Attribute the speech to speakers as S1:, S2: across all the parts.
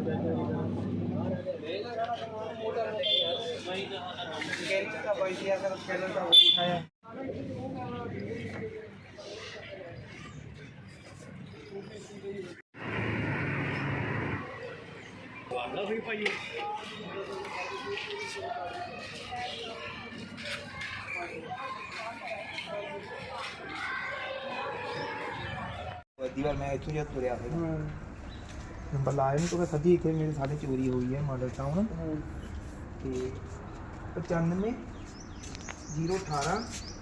S1: दीवार मैं इतनी जगह तुरया नंबर लाया नहीं तो मैं सदी इतने मेरे साथ चोरी हुई है मॉडल टाउन 95 018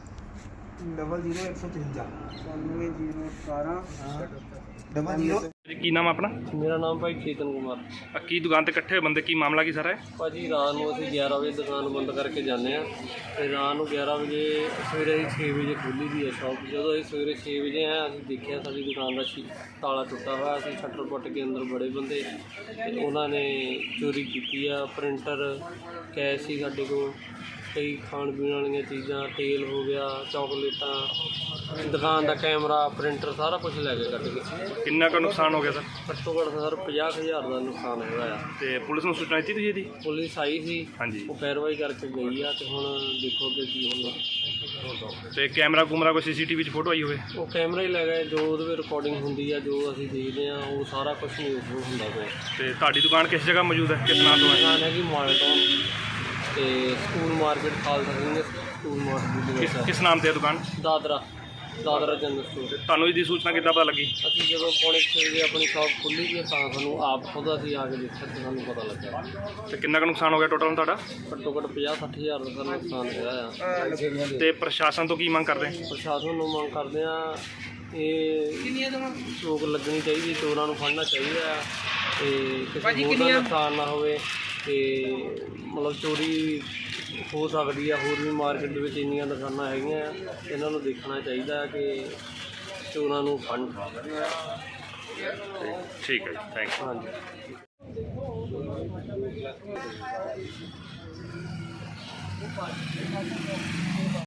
S1: 00
S2: ਕੀ ਨਾਮ ਆਪਣਾ?
S3: मेरा नाम भाई चेतन कुमार।
S2: ਕੀ ਦੁਕਾਨ ਤੇ ਇਕੱਠੇ ਹੋਏ ਬੰਦੇ, ਕੀ ਮਾਮਲਾ ਕੀ ਸਾਰਾ ਹੈ?
S3: भाजी रात ਨੂੰ ਅਸੀਂ 11 ਵਜੇ ਦੁਕਾਨ ਬੰਦ ਕਰਕੇ ਜਾਂਦੇ ਆ ਤੇ ਰਾਤ ਨੂੰ 11 ਵਜੇ ਸਵੇਰੇ ਅਸੀਂ 6 ਵਜੇ ਖੋਲ੍ਹੀ ਦੀ ਹੈ ਸ਼ੌਪ। ਜਦੋਂ ਅਸੀਂ ਸਵੇਰੇ 6 ਵਜੇ ਆਏ ਅਸੀਂ ਦੇਖਿਆ ਸਾਡੀ ਦੁਕਾਨ ਦਾ ਤਾਲਾ ਟੁੱਟਾ ਹੋਇਆ। ਅਸੀਂ ਸ਼ਟਰ ਪੁੱਟ ਕੇ ਅੰਦਰ ਬੜੇ ਬੰਦੇ ਤੇ ਉਹਨਾਂ ਨੇ ਚੋਰੀ ਕੀਤੀ ਆ। ਪ੍ਰਿੰਟਰ, ਕੈਸ਼ ਸੀ ਸਾਡੇ ਕੋਲ, ਕਈ ਖਾਣ ਪੀਣ ਵਾਲੀਆਂ ਚੀਜ਼ਾਂ, ਤੇਲ ਹੋ ਗਿਆ, ਚਾਕਲੇਟਾਂ, ਦੁਕਾਨ ਦਾ ਕੈਮਰਾ, ਪ੍ਰਿੰਟਰ, ਸਾਰਾ ਕੁਝ ਲੈ ਕੇ ਕੱਢ ਕੇ।
S2: ਕਿੰਨਾ ਕੁ ਨੁਕਸਾਨ ਹੋ ਗਿਆ ਸਰ?
S3: ਘੱਟੋ ਘੱਟ ਸਰ 50,000 ਦਾ ਨੁਕਸਾਨ ਹੋਇਆ ਆ।
S2: ਤੇ ਪੁਲਿਸ ਨੂੰ ਸੂਚਨਾ ਦਿੱਤੀ ਤੁਸੀਂ ਇਹਦੀ?
S3: ਪੁਲਿਸ ਆਈ ਸੀ,
S2: ਹਾਂਜੀ।
S3: ਉਹ ਪੈਰਵਾਈ ਕਰਕੇ ਗਈ ਆ ਤੇ ਹੁਣ ਦੇਖੋ ਕਿ ਕੀ ਹੁੰਦਾ।
S2: ਤੇ ਕੈਮਰਾ ਕੁਮਰਾ ਕੋਈ ਸੀਸੀਟੀਵੀ 'ਚ ਫੋਟੋ ਆਈ ਹੋਵੇ?
S3: ਉਹ ਕੈਮਰਾ ਹੀ ਲੈ ਗਏ, ਜੋ ਉਹਦੇ ਵਿੱਚ ਰਿਕਾਰਡਿੰਗ ਹੁੰਦੀ ਆ, ਜੋ ਅਸੀਂ ਦੇਖਦੇ ਆ, ਉਹ ਸਾਰਾ ਕੁਝ ਨਹੀਂ ਹੁੰਦਾ ਪਿਆ।
S2: ਤੇ ਤੁਹਾਡੀ ਦੁਕਾਨ ਕਿਸ ਜਗ੍ਹਾ ਮੌਜੂਦ ਹੈ, ਕਿਸ ਨਾਮ ਤੋਂ ਹੈ?
S3: ਦੁਕਾਨ ਹੈਗੀ ਮਾਲਟਾਊਨ ਤੇ school market, Khalsa Singh school market.
S2: ਕਿਸ ਨਾਮ ਤੇ ਹੈ ਦੁਕਾਨ?
S3: Dadra general store.
S2: ਤੁਹਾਨੂੰ ਇਹਦੀ ਸੂਚਨਾ ਕਿੱਦਾਂ ਪਤਾ ਲੱਗੀ?
S3: ਅਸੀਂ ਜਦੋਂ ਪੌਣੇ 6 ਵਜੇ ਆਪਣੀ ਸ਼ਾਪ ਖੋਲ੍ਹੀ ਸੀ ਤਾਂ ਸਾਨੂੰ ਆਪ ਖੁਦ ਅਸੀਂ ਆ ਕੇ ਦੇਖਿਆ ਤੇ ਸਾਨੂੰ ਪਤਾ ਲੱਗਾ।
S2: ਤੇ ਕਿੰਨਾ ਕੁ ਨੁਕਸਾਨ ਹੋ ਗਿਆ ਟੋਟਲ ਤੁਹਾਡਾ?
S3: ਘੱਟੋ ਘੱਟ 50-60,000 ਦਾ ਸਾਨੂੰ ਨੁਕਸਾਨ ਹੋਇਆ ਆ।
S2: ਤੇ ਪ੍ਰਸ਼ਾਸਨ ਤੋਂ ਕੀ ਮੰਗ ਕਰਦੇ?
S3: ਪ੍ਰਸ਼ਾਸਨ ਨੂੰ ਮੰਗ ਕਰਦੇ ਆ, ਇਹ ਰੋਕ ਲੱਗਣੀ ਚਾਹੀਦੀ, ਚੋਰਾਂ ਨੂੰ ਫੜਨਾ ਚਾਹੀਦਾ ਆ ਤੇ ਕਿਸੇ ਹੋਰ ਦਾ ਨੁਕਸਾਨ ਨਾ ਹੋਵੇ। ਤੇ ਮਤਲਬ ਚੋਰੀ ਹੋ ਸਕਦੀ ਆ, ਹੋਰ ਵੀ ਮਾਰਕੀਟ ਦੇ ਵਿੱਚ ਇੰਨੀਆਂ ਦੁਕਾਨਾਂ ਹੈਗੀਆਂ, ਇਹਨਾਂ ਨੂੰ ਦੇਖਣਾ ਚਾਹੀਦਾ ਕਿ ਚੋਰਾਂ ਨੂੰ ਫੜਨ।
S2: ਠੀਕ ਹੈ ਜੀ, ਥੈਂਕ ਯੂ।
S3: ਹਾਂਜੀ।